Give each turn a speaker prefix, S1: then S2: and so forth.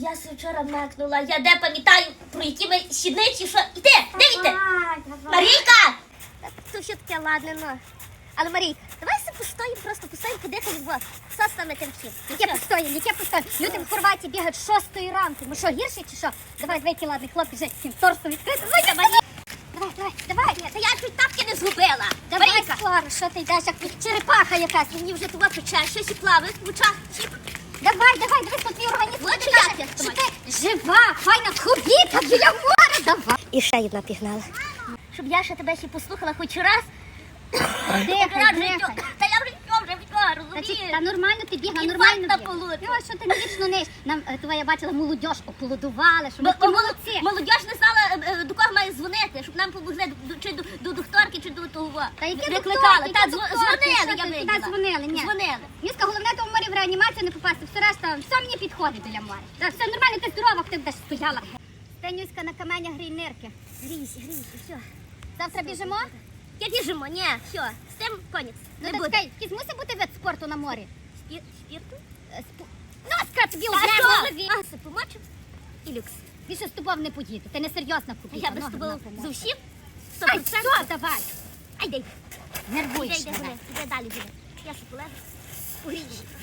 S1: Я се вчора мекнула, я де пам'ятаю, про які ми щідниці, що... Іди, дивіться! Марійка! То що таке, ладно, ну. Але, Марійка, давай все постоїмо, просто постоїмо, подихаємо, бо все стане терпів.
S2: Яке постоїмо? Люди в Хорватії бігають з 6 ранку. Ми що, гірші чи що? Давай, який ладний хлопець, вже всім торсом відкрити. Давай.
S1: Та я чуть тапки не згубила.
S2: Давай,
S1: Марійка,
S2: Клара, що ти йдеш, як черепаха якась.
S1: мені вже туди пече, щось і плаває в очах.
S2: Давай, дивись, тут твій організм.
S1: Лучше
S2: тобі
S1: я
S2: каже,
S1: тебе
S2: що ти жива, файна хобіта біля моря. Давай.
S1: І ще одна пігнала. Щоб я ще тебе ще послухала хоч раз.
S2: Дихай.
S1: Та я вже розумієш?
S2: Та нормально ти бігла,
S1: Інфаркт
S2: нормально
S1: на
S2: бігла.
S1: получу.
S2: Йо, що ти не вічно ниш? Нам, я бачила, молодіж ополудували, що ми
S1: Бо
S2: такі молодці.
S1: молодіж не знала, до кого має дзвонити, щоб нам помогли, чи до докторки, чи до того.
S2: Та які
S1: Викликали.
S2: докторки,
S1: Та
S2: які докторки?
S1: дзвонили,
S2: Що
S1: я
S2: ти туди
S1: виділа.
S2: дзвонили? Ні.
S1: Дзвонили.
S2: Міска, головне то в морі в реанімацію не попасти, все решта, все мені підходить біля моря. Так, все нормально, ти здорова, ти будеш стояла. Стенюська на каменях грій нирки.
S1: Грійся, все.
S2: Завтра біжимо?
S1: Я біжимо, ні, все, з цим конець.
S2: Ну,
S1: Не
S2: так
S1: буде.
S2: чекай, якийсь мусить бути вид спорту на морі.
S1: Спірту?
S2: Носка тобі
S1: Та
S2: вже в
S1: що?
S2: голові.
S1: А, це помочив? І люкс.
S2: Більше з тобою не поїду, ти не серйозна
S1: А
S2: купіта.
S1: я без тобою зовсім?
S2: Ай,
S1: 100%?
S2: все, давай.
S1: Ай, дай.
S2: Нервуєш
S1: Іди
S2: мене.
S1: далі, буде. Я ще полежу. У гріші.